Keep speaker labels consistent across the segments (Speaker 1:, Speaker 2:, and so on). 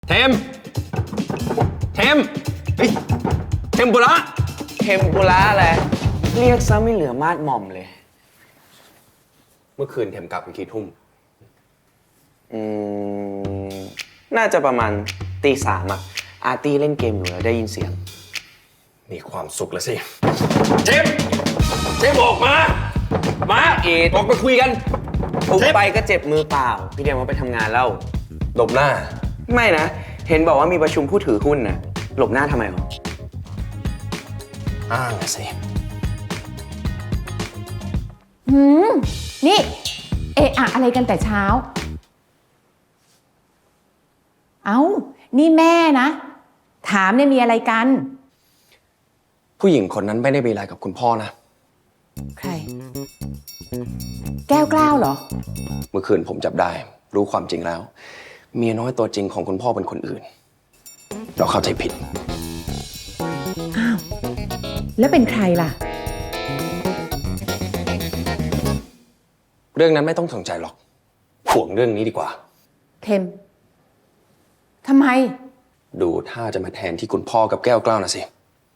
Speaker 1: เทมเฮ้ยเทมปุระ
Speaker 2: เทมปุระอะไรเรียกซะไม่เหลือมาดหม่อมเลย
Speaker 1: เมื่อคืนเทมกลับกี่ทุ่ม
Speaker 2: น่าจะประมาณตีสามอะอาร์ตี้เล่นเกมอยู่แล้วได้ยินเสียง
Speaker 1: มีความสุขแล้วสิเทมออกมาออกมาคุยกัน
Speaker 2: ปุ๊บไปก็เจ็บมือเปล่าพี่เดียมว่าไปทำงานแล้ว
Speaker 1: หลบหน้า
Speaker 2: ไม่นะเห็นบอกว่ามีประชุมผู้ถือหุ้นนะหลบหน้าทำไมหรอ
Speaker 1: อ้างสิ
Speaker 3: นี่เอะอะอะไรกันแต่เช้าเอ้านี่แม่นะถามเนี่ยมีอะไรกัน
Speaker 1: ผู้หญิงคนนั้นไม่ได้มีอะไรกับคุณพ่อนะ
Speaker 3: ใครแก้วกล้าวเหรอ
Speaker 1: เมื่อคืนผมจับได้รู้ความจริงแล้วเมียน้อยตัวจริงของคุณพ่อเป็นคนอื่นเราเข้าใจผิด
Speaker 3: อ้าวแล้วเป็นใครล่ะ
Speaker 1: เรื่องนั้นไม่ต้องสนใจหรอกห่วงเรื่องนี้ดีกว่า
Speaker 3: เทมทำไม
Speaker 1: ดูท่าจะมาแทนที่คุณพ่อกับแก้วกล้าวนะสิ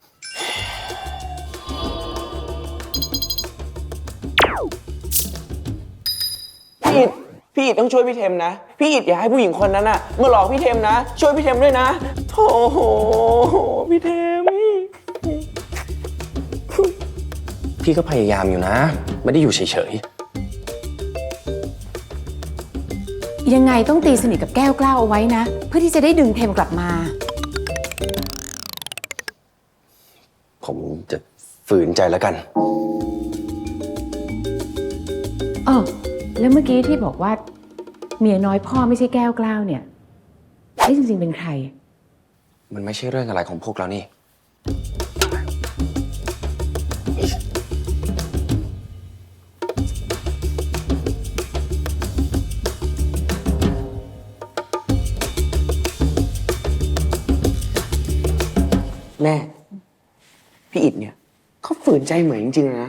Speaker 2: พี่อิดต้องช่วยพี่เทมนะพี่อิดอย่าให้ผู้หญิงคนนั้นน่ะมาหลอกพี่เทมนะช่วยพี่เทมด้วยนะโธ่พี่เทม
Speaker 1: พี่ก็พยายามอยู่นะไม่ได้อยู่เฉย
Speaker 3: ๆยังไงต้องตีสนิทกับแก้วกล้าวเอาไว้นะเพื่อที่จะได้ดึงเทมกลับมา
Speaker 1: ผมจะฝืนใจแล้วกัน
Speaker 3: แล้วเมื่อกี้ที่บอกว่าเมียน้อยพ่อไม่ใช่แก้วกล้าวเนี่ยจริงๆเป็นใคร
Speaker 1: มันไม่ใช่เรื่องอะไรของพวกเรานี่
Speaker 2: แม่พี่อิดเนี่ยเขาฝืนใจเหมือนจริงๆนะ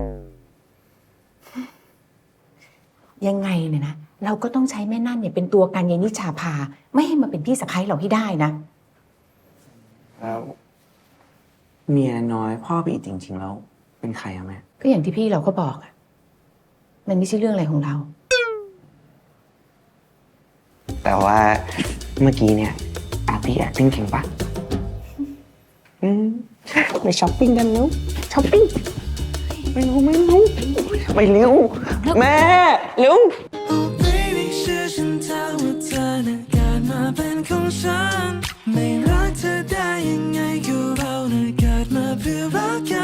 Speaker 3: ยังไงเนี่ยนะเราก็ต้องใช้แม่นั่นเนี่ยเป็นตัวกันยายนิชาภาไม่ให้มาเป็นพี่สะใภ้เราให้ได้นะ
Speaker 2: แล้วเมียน้อยพ่อพี่อิดจริงๆแล้วเป็นใครอะแม่
Speaker 3: ก็อย่างที่พี่เราก็บอกอะมันไม่ใช่เรื่องอะไรของเรา
Speaker 2: แต่ว่าเมื่อกี้เนี่ยอาร์ตี้ acting เก่งปะไปช้อปปิ้งกันแล้วช้อปปิ้งไม่รู้ไปเร็วแม่เร็ว
Speaker 4: ไม่รักเธอได้ยังไงก็เราเกิดมาเพื่อรักกัน